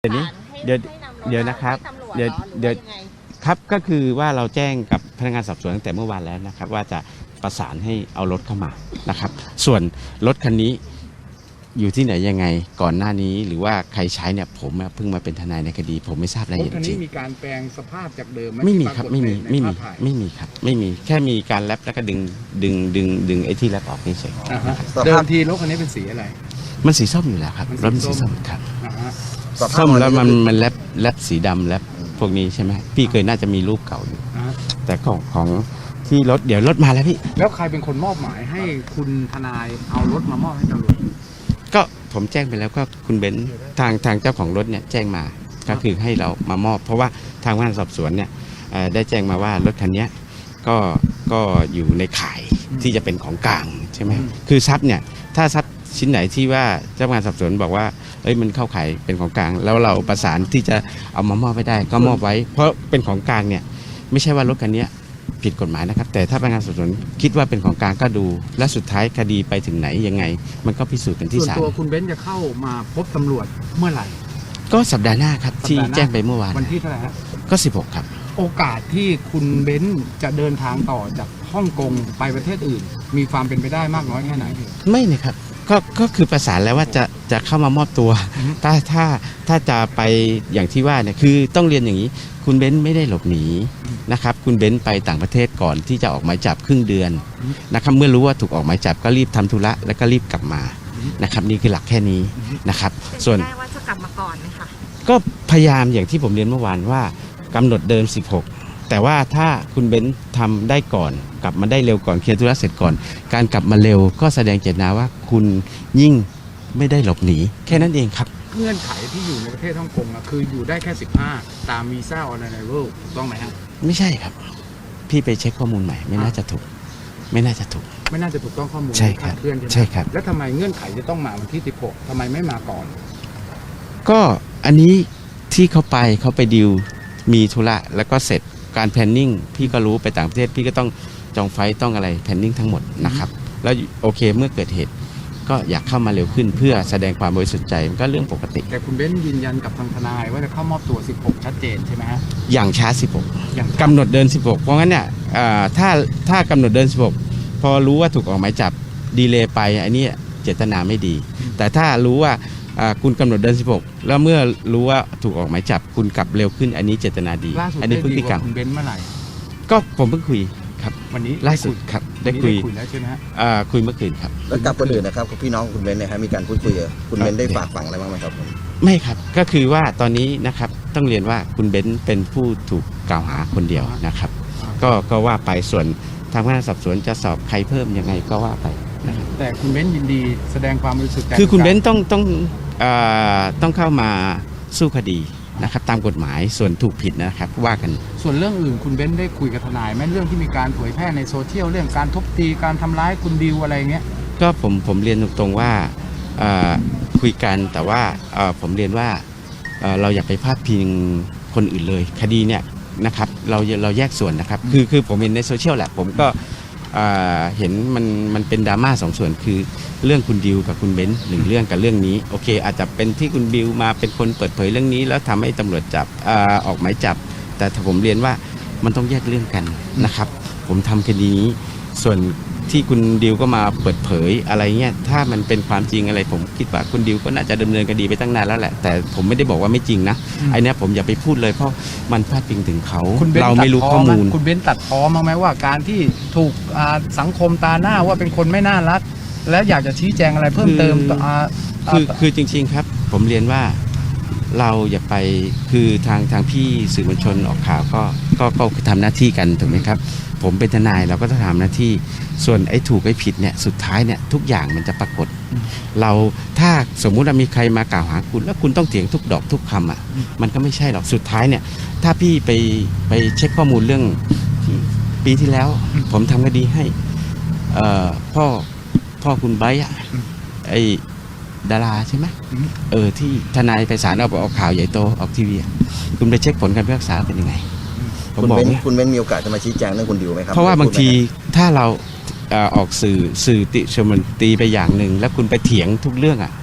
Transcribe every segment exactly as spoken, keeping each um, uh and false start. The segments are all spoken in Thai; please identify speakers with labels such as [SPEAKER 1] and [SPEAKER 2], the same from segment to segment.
[SPEAKER 1] เดี๋ยวนี้เดี๋ยวเดี๋ยวนะครับเดี๋ยวเดี๋ยวครับก็คือว่าเราแจ้งกับพนักงานสอบสวนตั้งแต่เมื่อวานแล้วนะครับว่าจะประสานให้เอารถเข้ามานะครับส่วนรถคันนี้อยู่ที่ไหนยังไงก่อนหน้านี้หรือว่าใครใช้เนี่ยผมเพิ่งมาเป็นทนายในคดีผมไม่ทราบรายละเอียดจริง
[SPEAKER 2] มีการแปลงสภาพจากเดิม
[SPEAKER 1] ไม่มีครับไม่มีไม่มีไม่มีครับไม่มีแค่มีการแรปแล้วก็ดึงดึงดึงดึงไอ้ที่แรปออกเฉย
[SPEAKER 2] ๆเดิมทีรถคันนี้เป็นสีอะไร
[SPEAKER 1] มันสีส้มอยู่แล้วครับรถมันสีส้มครับส้
[SPEAKER 3] ม
[SPEAKER 1] แล้วมันมันแรปแรปสีดำแรปพวกนี้ใช่ไหมพี่เคยน่าจะมีรูปเก่าอยู่แต่ของของที่รถเดี๋ยวรถมาแล้วพี่
[SPEAKER 2] แล้วใครเป็นคนมอบหมายให้คุณทนายเอารถมามอบให้ตำรวจ
[SPEAKER 1] ก็ผมแจ้งไปแล้วก็คุณเบนซ์ทางทางเจ้าของรถเนี่ยแจ้งมาก็คือให้เรามามอบเพราะว่าทางพนักงานสอบสวนเนี่ยได้แจ้งมาว่ารถคันนี้ก็ก็อยู่ในข่ายที่จะเป็นของกลางใช่ไหมคือทรัพย์เนี่ยถ้าทรัพย์ชิ้นไหนที่ว่าเจ้าพนักงานสอบสวนบอกว่าเอ้ยมันเข้าข่ายเป็นของกลางแล้วเราประสานที่จะเอามามอบไปได้ก็มอบไว้เพราะเป็นของกลางเนี่ยไม่ใช่ว่ารถคันนี้ผิดกฎหมายนะครับแต่ถ้าพนักงานสอบสวนคิดว่าเป็นของกลางก็ดูและสุดท้ายคดีไปถึงไหนยังไงมันก็พิสูจน์กันที่ศาล
[SPEAKER 2] ส่วนตัวคุณเบนซ์จะเข้ามาพบตำรวจเมื่อไหร่
[SPEAKER 1] ก็สัปดาห์หน้าครับที่แจ้งไปเมื่อวาน
[SPEAKER 2] วันที่เท่าไหร่ฮะ
[SPEAKER 1] ก็สิบหกครับ
[SPEAKER 2] โอกาสที่คุณเบนซ์จะเดินทางต่อจากฮ่องกงไปประเทศอื่นมีความเป็นไปได้มากน้อยแค่ไหน
[SPEAKER 1] ไม่นะครับก็ก็คือประสานแล้วว่าจะจะเข้ามามอบตัวถ้าถ้าถ้าจะไปอย่างที่ว่าเนี่ยคือต้องเรียนอย่างนี้คุณเบนซ์ไม่ได้หลบหนีนะครับคุณเบนซ์ไปต่างประเทศก่อนที่จะออกหมายจับครึ่งเดือนนะครับเมื่อรู้ว่าถูกออกหมายจับก็รีบทำธุระแล้วก็รีบกลับมานะครับนี่คือหลักแค่นี้นะครับส่วน
[SPEAKER 4] ได้ว่าจะกลับมาก่อนไหมคะ
[SPEAKER 1] ก็พยายามอย่างที่ผมเรียนเมื่อวานว่ากำหนดเดิมสิบหกแต่ว่าถ้าคุณเบนซ์ทำได้ก่อนกลับมาได้เร็วก่อนเคลียร์ธุระเสร็จก่อนการกลับมาเร็วก็แสดงเจตนาว่าคุณยิ่งไม่ได้หลบหนีแค่นั้นเองครับ
[SPEAKER 2] เงื่อนไขที่อยู่ในประเทศฮ่องกงอะคืออยู่ได้แค่สิบห้าตามวีซ่าออนไลน์เวิลด์ถูกต้องไหมครับ
[SPEAKER 1] ไม่ใช่ครับพี่ไปเช็คข้อมูลใหม่ไม่น่าจะถูกไม่น่าจะถูก
[SPEAKER 2] ไม่น่าจะถูกต้องข้อมูล
[SPEAKER 1] ใช่ครับ
[SPEAKER 2] เพื่อน
[SPEAKER 1] ใช่ครับ
[SPEAKER 2] แล้วทำไมเงื่อนไขจะต้องมาวันที่สิบหกทำไมไม่มาก่อน
[SPEAKER 1] ก็อันนี้ที่เขาไปเขาไปดิวมีธุระแล้วก็เสร็จการแพลนนิ่งพี่ก็รู้ไปต่างประเทศพี่ก็ต้องจองไฟต้องอะไรแพลนนิ่งทั้งหมดนะครับแล้วโอเคเมื่อเกิดเหตุก็อยากเข้ามาเร็วขึ้นเพื่อแสดงความบริสุทธิ์ใจมันก็เรื่องปกติ
[SPEAKER 2] แต่คุณเบนซ์ยืนยันกับทางทนายว่าจะเข้ามอบตัวสิบหกชัดเจนใช่ไหมฮะ
[SPEAKER 1] อย่างช้าสิบหกกำหนดเดินสิบหกเพราะงั้นเนี่ยถ้าถ้ากำหนดเดินสิบหกพอรู้ว่าถูกออกหมายจับดีเลย์ไปอันนี้เจตนาไม่ดีแต่ถ้ารู้ว่าคุณกำหนดเดินสิบหกแล้วเมื่อรู้ว่าถูกออกหมายจับคุณกลับเร็วขึ้นอันนี้เจตนาดี
[SPEAKER 2] อันนี้พฤติกรรมคุณเบนซ์เมื่อไหร่
[SPEAKER 1] ก็ผมเพิ่งคุยครับ
[SPEAKER 2] วันนี้
[SPEAKER 1] ล่าสุดครับได้คุย
[SPEAKER 2] แล้วใช่ไหมฮะ
[SPEAKER 1] คุยเมื่อคืนครับ
[SPEAKER 3] แล้วกับคนอื่นนะครับพี่น้องคุณเบนซ์เนี่ยครับมีการพูดคุยกับคุณเบนซ์ได้ฝากฝังอะไรบ้างไหมครับผม
[SPEAKER 1] ไม่ครับก็คือว่าตอนนี้นะครับต้องเรียนว่าคุณเบนซ์เป็นผู้ถูกกล่าวหาคนเดียวนะครับก็ก็ว่าไปส่วนทางพนักงานสอบสวนจะสอบใครเพิ่มยังไงก็ว่าไปนะครับ
[SPEAKER 2] แต่คุณเบนซ์ยินดีแสดงความบริสุทธิ์ใจ
[SPEAKER 1] คือคุณเบนซ์ต้องต้องต้องเข้ามาสู้คดีนะครับตามกฎหมายส่วนถูกผิดนะครับว่ากัน
[SPEAKER 2] ส่วนเรื่องอื่นคุณเบนซ์ได้คุยกับทนายไหมเรื่องที่มีการเผยแพร่ในโซเชียลเรื่องการทุบตีการทำร้ายคุณดิวอะไรเงี้ย
[SPEAKER 1] ก็ผมผมเรียนตรงๆว่าคุยกันแต่ว่าผมเรียนว่าเราอย่าไปพาดพิงคนอื่นเลยคดีเนี่ยนะครับเราเราแยกส่วนนะครับคือคือผมเห็นในโซเชียลแหละผมก็เห็นมันมันเป็นดราม่าสองส่วนคือเรื่องคุณดิวกับคุณเบนซ์หนึ่งเรื่องกับเรื่องนี้โอเคอาจจะเป็นที่คุณดิวมาเป็นคนเปิดเผยเรื่องนี้แล้วทำให้ตำรวจจับออกหมายจับแต่ผมเรียนว่ามันต้องแยกเรื่องกันนะครับผมทำคดีนี้ส่วนที่คุณดิวก็มาเปิดเผยอะไรเงี้ยถ้ามันเป็นความจริงอะไรผมคิดว่าคุณดิวก็น่าจะดำเนินคดีไปตั้งนานแล้วแหละแต่ผมไม่ได้บอกว่าไม่จริงนะไอ้นี่ผมอย่าไปพูดเลยเพราะมันพาดพิงถึงเขาเราไม่รู้ข้อมูล
[SPEAKER 2] คุณเบนซ์ตัดพ้อมั้งไหมว่าการที่ถูกสังคมตาหน้าว่าเป็นคนไม่น่ารักแล้วอยากจะชี้แจงอะไรเพิ่มเติม
[SPEAKER 1] คือคือจริงๆครับผมเรียนว่าเราอย่าไปคือทางทางพี่สื่อมวลชนออกข่าวก็ก็ก็ทำหน้าที่กันถูกไหมครับผมเป็นทนายเราก็ต้องทำหน้าที่ส่วนไอ้ถูกไอ้ผิดเนี่ยสุดท้ายเนี่ยทุกอย่างมันจะปรากฏเราถ้าสมมุติว่ามีใครมากล่าวหาคุณแล้วคุณต้องเถียงทุกดอกทุกคำอ่ะมันก็ไม่ใช่หรอกสุดท้ายเนี่ยถ้าพี่ไปไปเช็คข้อมูลเรื่องปีที่แล้วผมทำคดีให้พ่อพ่อคุณไบร์ทไอ้ดาราใช่ไหมเออที่ทนายไปศาลเอาออกข่าวใหญ่โตออกทีวีคุณไปเช็คผลการพิพากษาเป็นยังไง
[SPEAKER 3] คุณเบนซ์คุณเบนซ์มีโอกาสจะมาชี้แจงเรื่องคุณดิวไหมครับ
[SPEAKER 1] เพราะว่าบางทีถ้าเราออกสื่อสื่อติชมตีไปอย่างหนึ่งแล้วคุณไปเถียงทุกเรื่องอ่ะ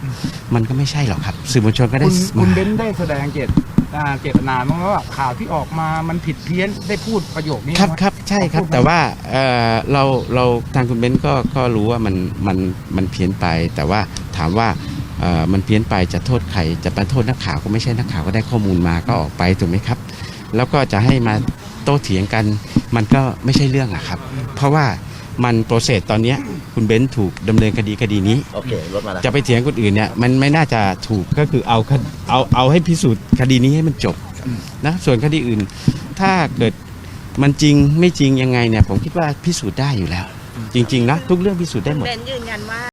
[SPEAKER 1] มันก็ไม่ใช่หรอกครับสื่อมวลชนก็ได้
[SPEAKER 2] คุณคุณ
[SPEAKER 1] มา
[SPEAKER 2] เบนซ์ได้แสดงเจตอ่าเจตนาบ้างไหมว่าข่าวที่ออกมามันผิดเพี้ยนได้พูดประโยคนี้
[SPEAKER 1] ครับ
[SPEAKER 2] ไหม
[SPEAKER 1] ครับใช่ครับ
[SPEAKER 2] พูดไหม
[SPEAKER 1] แต่ว่าเอ่อเราเราทางคุณเบนซ์ก็ก็รู้ว่ามันมันมันเพี้ยนไป แต่ว่าถามว่าเอ่อมันเพี้ยนไปจะโทษใครจะไปโทษนักข่าวก็ไม่ใช่นักข่าวก็ได้ข้อมูลมาก็ออกไปถูกไหมครับ แล้วก็จะให้มาโต้เถียงกัน มันก็ไม่ใช่เรื่องอะครับ เพราะว่ามันโปรเซสตอนเนี้ยคุณเบนซ์ถูกดำเนินคดีคดีนี้
[SPEAKER 3] โอเครถมาแล้ว
[SPEAKER 1] จะไปเถียงคนอื่นเนี่ยมันไม่น่าจะถูกก็คือเอาคดเอาเอาให้พิสูจน์คดีนี้ให้มันจบนะส่วนคดีอื่น ถ้าเกิดมันจริงไม่จริงยังไงเนี่ยผมคิดว่าพิสูจน์ได้อยู่แล้ว จริงๆนะทุกเรื่องพิสูจน์ได้หมด
[SPEAKER 4] เบนยืนยันว่า